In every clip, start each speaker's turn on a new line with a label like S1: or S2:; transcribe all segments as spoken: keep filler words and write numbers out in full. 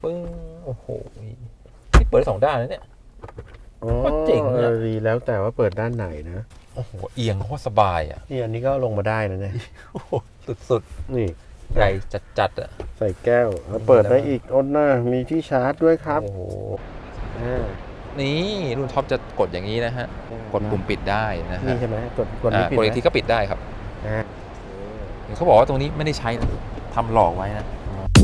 S1: ปึ้งโอ้โหนี่เปิดสองด้านนะเนี่ยก็เจ๋งอ่ะ
S2: ดีแล้วแต่ว่าเปิดด้านไหนนะ
S1: โอ้โหเอียงโคตรสบายอ่ะ
S2: นี่อันนี้ก็ลงมาได้นะเนี่ย
S1: สุด
S2: ๆนี่
S1: ใหญ่จัดๆอ่ะ
S2: ใส่แก้วแล้วเปิดได้อีกอ้นหน้ามีที่ชาร์จด้วยครับ
S1: โอ้โหนี่รุ่นท็อปจะกดอย่างนี้นะฮะกดปุ่มปิดได้นะฮะ
S2: นี่ใช่ไหมกดกด
S1: นี้ปิดกดอีกทีก็ปิดได้ครับเขาบอกว่าตรงนี้ไม่ได้ใช้นะทำหลอกไว้นะ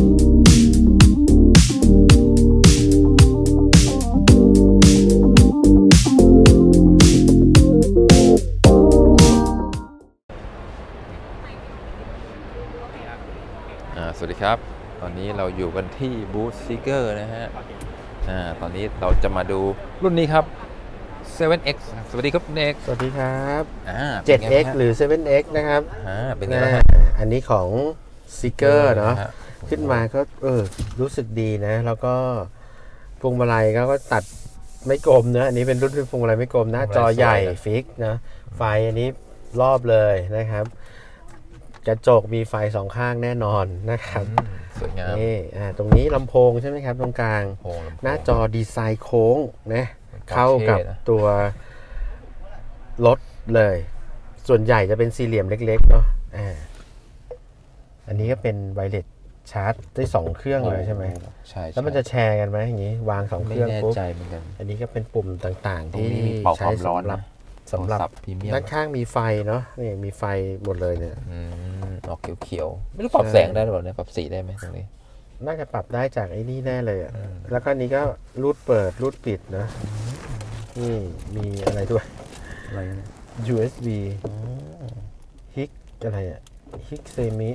S1: สวัสดีครับตอนนี้เราอยู่กันที่บูธซิกเกอร์นะฮะอ่าตอนนี้เราจะมาดูรุ่นนี้ครับ เซเว่นเอ็กซ์ สวัสดีครับเน็ก
S2: สวัสดีครับ
S1: อ่า
S2: เซเว่นเอ็กซ์ หรือ เซเว่นเอ็กซ์ นะครับ
S1: อ่าเป็นไงบ้างฮะ
S2: อันนี้ของซิกเกอร์เนาะขึ้นมาก็เออรู้สึกดีนะแล้วก็พวงมาลัยก็ตัดไม่กลมนะอันนี้เป็นรุ่นพวงมาลัยไม่กลมหน้าจอใหญ่ฟิกนะไฟอันนี้รอบเลยนะครับกระจกมีไฟสองข้างแน่นอนนะครับ
S1: สวยงาม
S2: นี่อ่าตรงนี้ลำโพงใช่ไหมครับตรงกลางหน้าจอดีไซน์โค้งนะเข้ากับตัวรถเลยส่วนใหญ่จะเป็นสี่เหลี่ยมเล็กๆเนาะอ่าอันนี้ก็เป็นไวเลสชาร์จได้สองเครื่องเลยใช่ไหม
S1: ใช่
S2: แล้วมันจะแชร์กันไหมอย่างนี้วางสองเครื่องปุ๊บอันนี้ก็เป็นปุ่มต่างๆที่ใช้สำหรับสำหรับด้านข้างมีไฟเนาะนี่มีไฟหมดเลยเนี่ย
S1: ออกเขียวๆไม่รู้ปรับแสงได้หรือเปล่าเนี่ยปรับสีได้ไหมตรงนี้
S2: น่าจะปรับได้จากไอ้นี่แน่เลยอ่ะแล้วก็นี้ก็รูดเปิดรูดปิดนะนี่มีอะไรด้วยอะไร ยู เอส บี ฮิกอะไรอ่ะฮิกเซมิ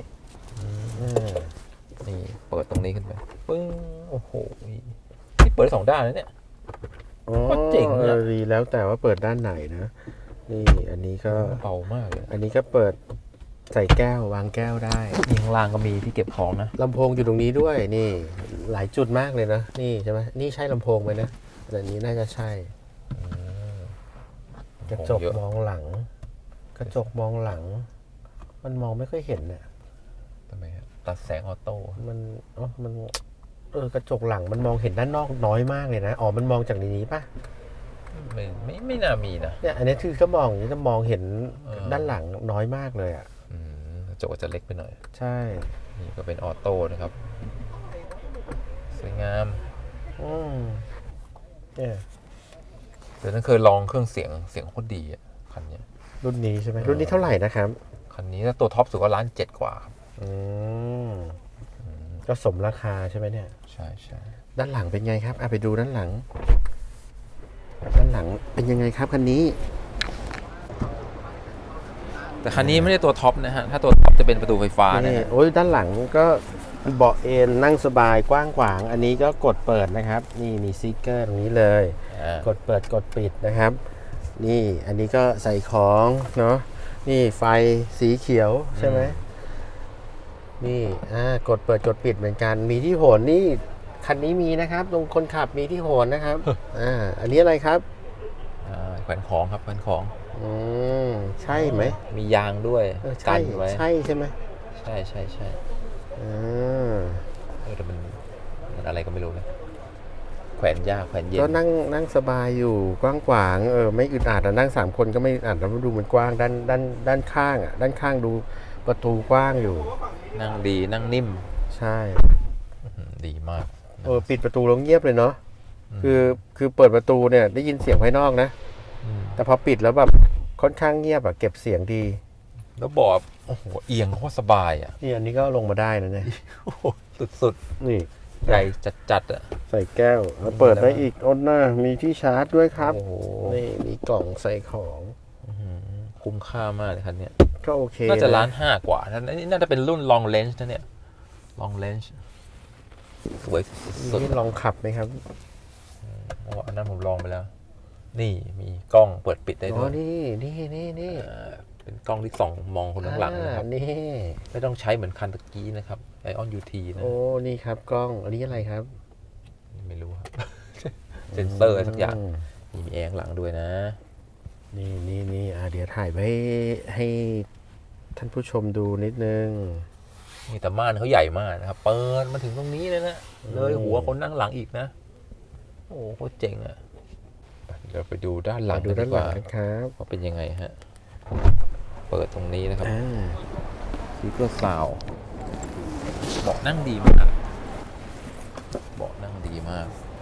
S1: นี่เปิดตรงนี้ขึ้นไปปึ้งโอ้โหนี่เปิดสองด้านนะเนี่ยก็เจ๋งอ่ะ
S2: ดีแล้วแต่ว่าเปิดด้านไหนนะนี่อันนี้ก็
S1: เบามากเลย
S2: อันนี้ก็เปิดใส่แก้ววางแก้วได้
S1: นี่ข้างล่างก็มีที่เก็บของนะ
S2: ลำโพงอยู่ตรงนี้ด้วยนี่หลายจุดมากเลยนะนี่ใช่ไหมนี่ใช่ลำโพงไหมนะแต่นี้น่าจะใช่กระจกมองหลังกระจกมองหลังมันมองไม่ค่อยเห็นเนี่ย
S1: ทำไมครับตัดแสงออโต้
S2: มันอ๋อมันเออกระจกหลังมันมองเห็นด้านนอกน้อยมากเลยนะอ๋อมันมองจากในนี้ป่ะ
S1: ไม่ไม่ไม่น่ามีนะ
S2: เนี่ยอันนี้คือก็มองอย่างนี้จะมองเห็นด้านหลังน้อยมากเลยอ่ะ
S1: กระจกจะเล็กไปหน่อย
S2: ใช่
S1: นี่ก็เป็นออโต้นะครับสวยงาม
S2: อืมเนี่ย
S1: เดี๋ยวนั้นเคยลองเครื่องเสียงเสียงโคตรดีอ่ะคันนี้
S2: รุ่นนี้ใช่ไหมรุ่นนี้เท่าไหร่นะครับ
S1: คันนี้ถ้าตัวท็อปสุดก็ล้านเจ็ดกว่าครับ
S2: อืมก็สมราคาใช่ไหมเนี่ย
S1: ใช่ใช่
S2: ด้านหลังเป็นไงครับอ่ะไปดูด้านหลังด้านหลังเป็นยังไงครับคันนี้
S1: แต่คันนี้ไม่ได้ตัวท็อปนะฮะถ้าตัวท็อปจะเป็นประตูไฟฟ้านะฮะ
S2: โอ้ยด้านหลังก็เบาะเอนนั่งสบายกว้างขวางอันนี้ก็กดเปิดนะครับนี่มีสติ๊กเกอร์ตรงนี้เลยกดเปิดกดปิดนะครับนี่อันนี้ก็ใส่ของเนาะนี่ไฟสีเขียวใช่ไหมนี่อ่ากดเปิดกดปิดเหมือนกันมีที่โหนนี่คันนี้มีนะครับตรงคนขับมีที่โหนนะครับอ่าอันนี้อะไรครับ
S1: อ่าแขวนของครับแขวนของ
S2: อืมใช่ไหม
S1: มียางด้วย
S2: กันไว้ใช่ใช่ไหม
S1: ใช่ใช่ใช่
S2: อ่า
S1: เออแต่มันมันอะไรก็ไม่รู้นะแขวนยากแขวนเย็น
S2: ก็นั่งนั่งสบายอยู่กว้างขวางเออไม่อึดอัดนั่งสามคนก็ไม่อึดอัดแล้วดูมันกว้างด้านด้านด้านข้างอ่ะด้านข้างดูประตูกว้างอยู่
S1: นั่งดีนั่งนิ่ม
S2: ใช่
S1: ดีมาก
S2: เออปิดประตูแล้วเงียบเลยเนาะคือคือเปิดประตูเนี่ยได้ยินเสียงภายนอกนะแต่พอปิดแล้วแบบค่อนข้างเงียบอะเก็บเสียงดี
S1: แล้วบอกโอ้โหเอียงโคตรสบายอ่ะ
S2: นี่อันนี้ก็ลงมาได้นะเนี่ย
S1: สุด
S2: ๆนี่
S1: ใหญ่จัดๆอ่ะ
S2: ใส่แก้วแล้วเปิดได้อีกอ้นหน้ามีที่ชาร์จด้วยครับนี่มีกล่องใส่ของ
S1: คุ้มค่ามากเลยคันนี้
S2: ก็โอเค
S1: น่าจะล้านห้ากว่านี่น่าจะเป็นรุ่น long range นะเนี่ย long range สวยสุด
S2: นี่ลองขับไหมครับ
S1: อ๋ออันนั้นผมลองไปแล้วนี่มีกล้องเปิดปิดได้ด้วย
S2: นี่นี่นี่นี่
S1: เป็นกล้องที่ส่องมองคนข้างหลังนะครับ
S2: นี่
S1: ไม่ต้องใช้เหมือนคันตะกี้นะครับไอออนยูทีนะ
S2: โอ้นี่ครับกล้องอันนี้อะไรครับ
S1: ไม่รู้ครับเซนเซอร์สักอย่างมีแอร์หลังด้วยนะ
S2: นี่นี่นี่อ่าเดี๋ยวถ่ายไว้ให้ท่านผู้ชมดูนิดนึง
S1: นี่แต่ม่านเขาใหญ่มากนะครับเปิดมาถึงตรงนี้เลยนะเลยหัวคนนั่งหลังอีกนะโอ้โหโคตรเจ๋งอ่ะเดี๋ยวไปดูด้านหลัง
S2: ดูด้านหลัง
S1: กัดีกว่
S2: ครับ
S1: ว่าเป็นยังไงฮะเปิดตรงนี้นะครับ
S2: อ่า
S1: ซีเกอร์ซาวเบาะนั่งดีมากเบาะนั่งดีมาก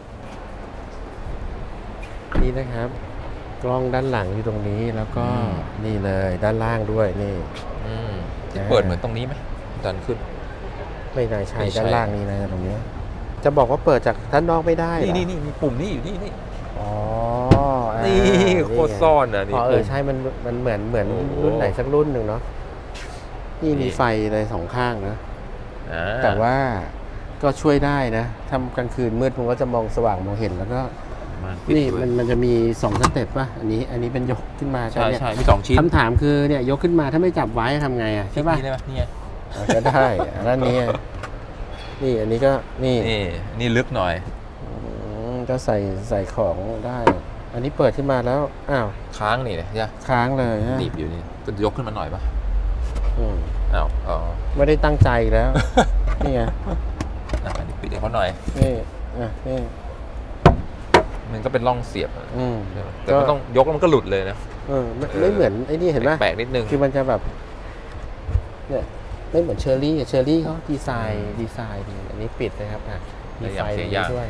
S2: นี่นะครับ กล้องด้านหลังอยู่ตรงนี้แล้วก็
S1: อืม
S2: นี่เลยด้านล่างด้วยนี่
S1: อืมที่
S2: อ่า
S1: เปิดเหมือนตรงนี้ไหมดันขึ้น
S2: ไม่น่าใช่
S1: ไม่ใช่
S2: ด้านล่างนี่นะตรงนี้ จะบอกว่าเปิดจากด้านนอกไม่ได้เหรอ
S1: นี่นี่นี่มีปุ่มนี่อยู่นี่นี่
S2: อ๋ออ่า
S1: นี่โคตรซ่อนอ่ะนี่
S2: อ๋อเออ
S1: ปุ่ม
S2: ใช่มันมันเหมือนเหมือน
S1: โอ้โห
S2: รุ่นไหนสักรุ่นหนึ่งเนาะนี่
S1: นี่
S2: มีไฟเลยสองข้างนะ
S1: อ่า
S2: แต่ว่าก็ช่วยได้นะทำกลางคืนมืดมันก็จะมองสว่างมองเห็นแล้วก็
S1: มันปิด
S2: นี่
S1: ด้ว
S2: มั
S1: ย
S2: นมันจะมีสองสเต็ปป่ะอันนี้อันนี้เป็นยกขึ้นมา
S1: ใช่
S2: เนี่ย
S1: ใช่มีสองชิ้น
S2: คำถามคือเนี่ยยกขึ้นมาถ้าไม่จับไว้ทำไงอ่ะใช่ป่ะ
S1: นี่ได้ไหมนี่ไง
S2: อ่ะก็ได้อันนั้นนี้นี่อันนี้ก็นี่
S1: นี่นี่ลึกหน่อย
S2: อืมก็ใส่ใส่ของได้ อันนี้เปิดขึ้นมาแล้วอ้าว
S1: ค้างนี่เนี่ยใช่
S2: ค้างเลยฮะ
S1: หนีบอยู่นี่จะยกขึ้นมาหน่อยปะ
S2: อืม
S1: อ้าวอ๋อ
S2: ไม่ได้ตั้งใจแล้ว นี่ไง
S1: อ่ะอันนี้ปิดให้เขาหน่อย
S2: นี่อ่ะนี่
S1: มันก็เป็นร่องเสียบอะ
S2: อืม
S1: แต่ก็ต้องยกแล้วมันก็หลุดเลยนะ
S2: เออไม่
S1: เออ
S2: ไม่เหมือนไอ้นี่เห็นไหม
S1: แปลกๆนิดนึง
S2: คือมันจะแบบเนี่ยไม่เหมือนเชอร์รี่อะเชอร์รี่เขาดีไซน์ดีไซน์ดีอันนี้ปิดนะครับอ่ะมีไฟตรงนี้ด้วย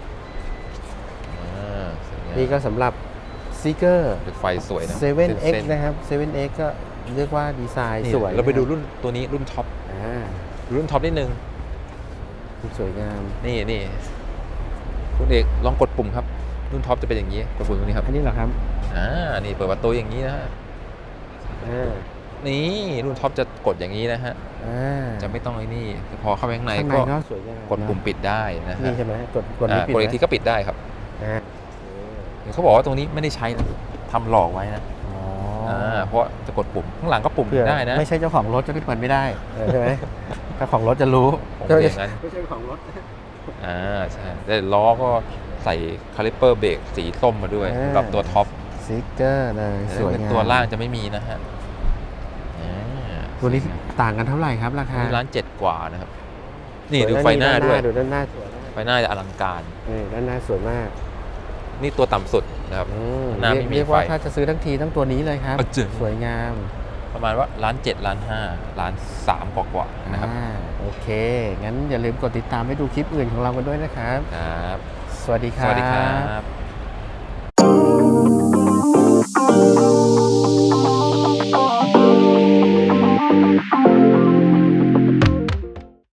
S1: อ่าสวยงาม
S2: นี่ก็สำหรับซีเกอร์
S1: เป็นไฟสวยนะ
S2: เซเว่นเอ็ก
S1: ส้นๆ
S2: นะครับเซเว่นเอ็กก็เรียกว่าดีไซน์
S1: นี่
S2: สวย
S1: เราไปดู
S2: นะคบ
S1: รุ่นตัวนี้รุ่นท็อป
S2: อ่า
S1: รุ่นท็อปนิดนึง
S2: สวยงาม
S1: นี่นี่คุณเอกลองกดปุ่มครับ รุ่นท็อปจะเป็นอย่างนี้กดปุ่มตรงนี้ครับ
S2: อันนี้เหรอครับ
S1: อ่านี่เปิดประตูอย่างนี้นะฮะ
S2: อ่า
S1: นี่รุ่นท็อปจะกดอย่างนี้นะฮะ
S2: อ่า
S1: จะไม่ต้องไอ้นี่พอเข้าไปข้างใน
S2: ข้างใน
S1: ก็
S2: ก็สวยงาม
S1: กดปุ่มปิดได้นะฮะ
S2: นี่ใช่ไหมกดกด
S1: อ่า
S2: นี้ปิด
S1: กดอีก
S2: ไหม
S1: ทีก็ปิดได้ครับ
S2: อ่า
S1: เขาบอกว่าตรงนี้ไม่ได้ใช้นะทำหลอกไว้นะ
S2: อ๋อ
S1: อ่าเพราะจะกดปุ่มข้างหลังก็ปุ่ม
S2: เผื่อ
S1: ได้นะ
S2: ไม่ใช่เจ้าของรถจะขึ้นเปิดไม่ได้เออใช่ไหมถ้าของรถจะรู้
S1: ผมเป็นอย่างนั้น
S2: ไม่ใช่ของรถ
S1: อ่าใช่แต่ล้อก็ใส่คาลิปเปอร์เบรกสีส้มมาด้วยกับตัวท็อป
S2: สติ๊กเกอร์เลยสวยงาม
S1: ตัวล่างจะไม่มีนะฮะอ่า
S2: ตัวนี้ต่างกันเท่าไหร่ครับราคา
S1: นี่ร้านเจ็ดกว่านะครับ นี่
S2: สย
S1: ดูไฟหน้าด้วย
S2: ดูด้านหน้าสวย
S1: ไฟหน้าจะอลังการ
S2: นี่ด้านหน้าสวยมาก
S1: นี่ตัวต่ำสุดนะครับ
S2: อืม
S1: หน้า
S2: เรีย
S1: ไม่
S2: ก
S1: มี
S2: เรียกว่า
S1: ไฟ
S2: ถ้าจะซื้อทั้งทีทั้งตัวนี้เลยครับ
S1: อ่ะจริง
S2: สวยงาม
S1: ประมาณว่าร้านเจ็ดร้านห้าร้านสามกว่าๆนะครับ
S2: อ่าโอเค งั้นอย่าลืมกดติดตามให้ดูคลิปอื่นของเรากันด้วยนะครับ
S1: ครับ
S2: สวัสดีค
S1: ส
S2: รับ
S1: วัสดีครับ